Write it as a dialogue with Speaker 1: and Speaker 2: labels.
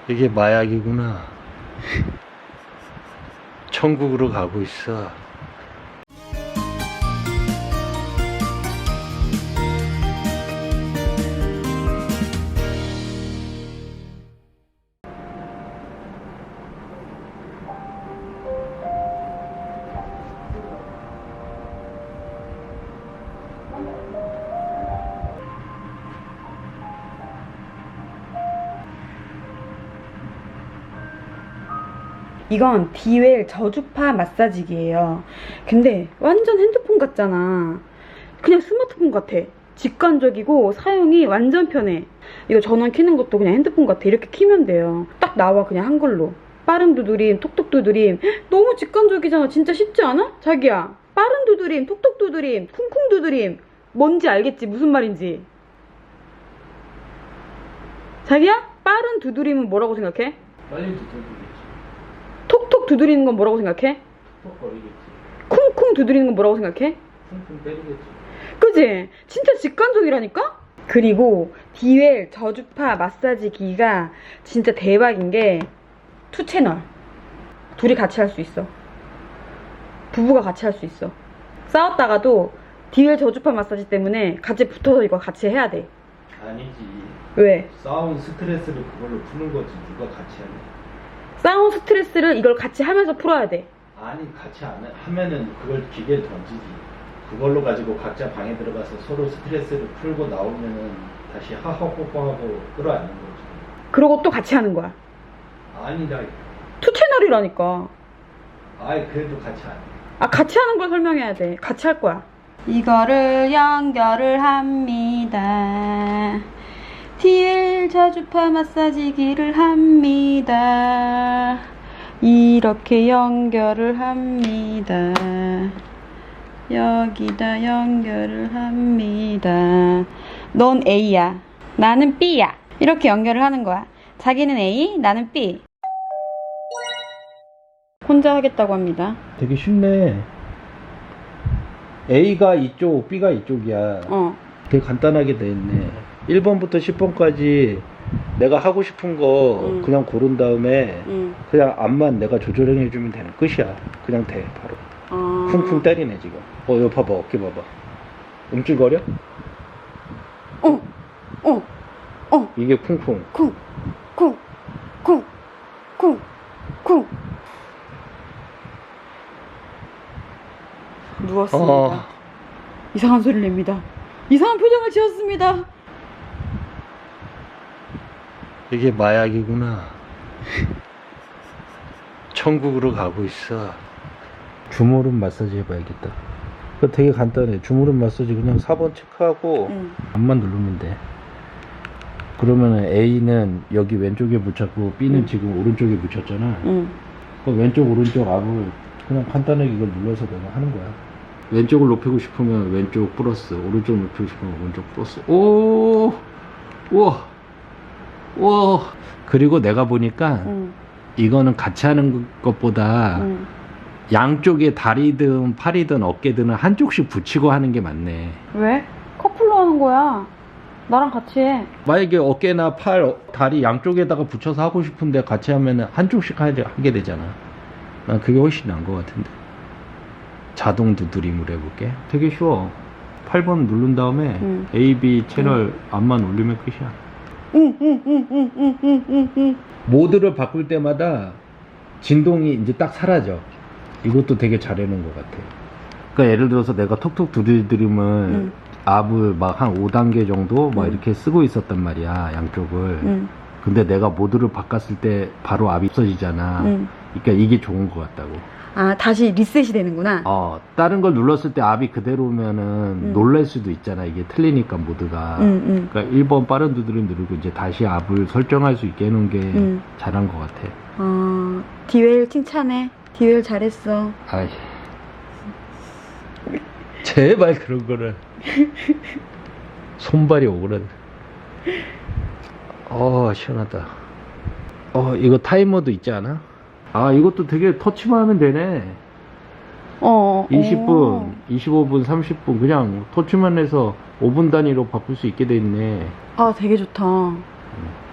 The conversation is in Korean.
Speaker 1: 이게 마약이구나. 천국으로 가고 있어.
Speaker 2: 이건 디웰 저주파 마사지기예요. 근데 완전 핸드폰 같잖아. 그냥 스마트폰 같아. 직관적이고 사용이 완전 편해. 이거 전원 켜는 것도 그냥 핸드폰 같아. 이렇게 키면 돼요. 딱 나와 그냥 한글로. 빠른 두드림, 톡톡 두드림. 너무 직관적이잖아. 진짜 쉽지 않아? 자기야. 빠른 두드림, 톡톡 두드림, 쿵쿵 두드림. 뭔지 알겠지? 무슨 말인지. 자기야? 빠른 두드림은 뭐라고 생각해?
Speaker 1: 빨리 두드리겠지.
Speaker 2: 톡톡 두드리는 건 뭐라고 생각해?
Speaker 1: 톡거리겠지.
Speaker 2: 쿵쿵 두드리는 건 뭐라고 생각해?
Speaker 1: 쿵쿵 때리겠지.
Speaker 2: 그지? 진짜 직관적이라니까? 그리고 디웰 저주파 마사지 기가 진짜 대박인 게 2채널 둘이 같이 할 수 있어. 부부가 같이 할 수 있어. 싸웠다가도 디웰 저주파 마사지 때문에 같이 붙어서 이거 같이 해야 돼.
Speaker 1: 아니지.
Speaker 2: 왜?
Speaker 1: 싸운 스트레스를 그걸로 푸는 거지. 누가 같이 하냐.
Speaker 2: 싸운 스트레스를 이걸 같이 하면서 풀어야 돼.
Speaker 1: 아니 같이 하면은 그걸 기계에 던지지. 그걸로 가지고 각자 방에 들어가서 서로 스트레스를 풀고 나오면은 다시 하하호호하고 끌어안는 거지.
Speaker 2: 그러고 또 같이 하는 거야.
Speaker 1: 아니다.
Speaker 2: 2채널이라니까.
Speaker 1: 아이 그래도 같이 안 해.
Speaker 2: 아, 같이 하는 걸 설명해야 돼. 같이 할 거야. 이거를 연결을 합니다. 디웰 저주파 마사지기를 합니다. 이렇게 연결을 합니다. 여기다 연결을 합니다. 넌 A야. 나는 B야. 이렇게 연결을 하는 거야. 자기는 A, 나는 B. 혼자 하겠다고 합니다.
Speaker 1: 되게 쉽네. A가 이쪽, B가 이쪽이야. 되게 간단하게 돼 있네. 1번부터 10번까지 내가 하고 싶은 거 그냥 고른 다음에 그냥 앞만 내가 조절해 주면 되는 끝이야. 그냥 돼 바로. 쿵쿵 때리네 지금. 이거 봐봐. 어깨 봐봐. 움찔거려? 이게 쿵쿵.
Speaker 2: 쿵. 누웠습니다. 이상한 소리를 냅니다. 이상한 표정을 지었습니다.
Speaker 1: 이게 마약이구나. 천국으로 가고 있어. 주무릎 마사지 해봐야겠다. 그거 되게 간단해. 주무릎 마사지 그냥 4번 체크하고 앞만 누르면 돼. 그러면은 A는 여기 왼쪽에 붙였고 B는 지금 오른쪽에 붙였잖아. 그 왼쪽 오른쪽 앞을 그냥 간단하게 이걸 눌러서 내가 하는 거야. 왼쪽을 높이고 싶으면 왼쪽 플러스, 오른쪽 높이고 싶으면 오른쪽 플러스. 오, 우와. 그리고 내가 보니까 이거는 같이 하는 것보다 양쪽에 다리든 팔이든 어깨든 한쪽씩 붙이고 하는 게 맞네.
Speaker 2: 왜? 커플로 하는 거야. 나랑 같이 해.
Speaker 1: 만약에 어깨나 팔, 다리 양쪽에다가 붙여서 하고 싶은데 같이 하면 한쪽씩 하게 되잖아. 난 그게 훨씬 나은 것 같은데. 자동 두드림으로 해볼게. 되게 쉬워. 8번 누른 다음에 A, B 채널 앞만 올리면 끝이야. 모드를 바꿀 때마다 진동이 이제 딱 사라져. 이것도 되게 잘 해놓은 것 같아. 그러니까 예를 들어서 내가 톡톡 두드림을 앞을 막 한 5단계 정도 막 이렇게 쓰고 있었단 말이야, 양쪽을. 근데 내가 모드를 바꿨을 때 바로 앞이 없어지잖아. 그러니까 이게 좋은 것 같다고.
Speaker 2: 아, 다시 리셋이 되는구나.
Speaker 1: 다른 걸 눌렀을 때 앞이 그대로면은 놀랄 수도 있잖아. 이게 틀리니까 모드가. 그러니까 1번 빠른 두드림 누르고 이제 다시 앞을 설정할 수 있게 해놓은 게 잘한 것 같아.
Speaker 2: 디웰 칭찬해. 디웰 잘했어.
Speaker 1: 아이. 제발 그런 거를. 손발이 오그라들. 시원하다. 이거 타이머도 있지 않아? 이것도 되게 터치만 하면 되네. 20분, 25분, 30분 그냥 터치만 해서 5분 단위로 바꿀 수 있게 돼 있네.
Speaker 2: 되게 좋다.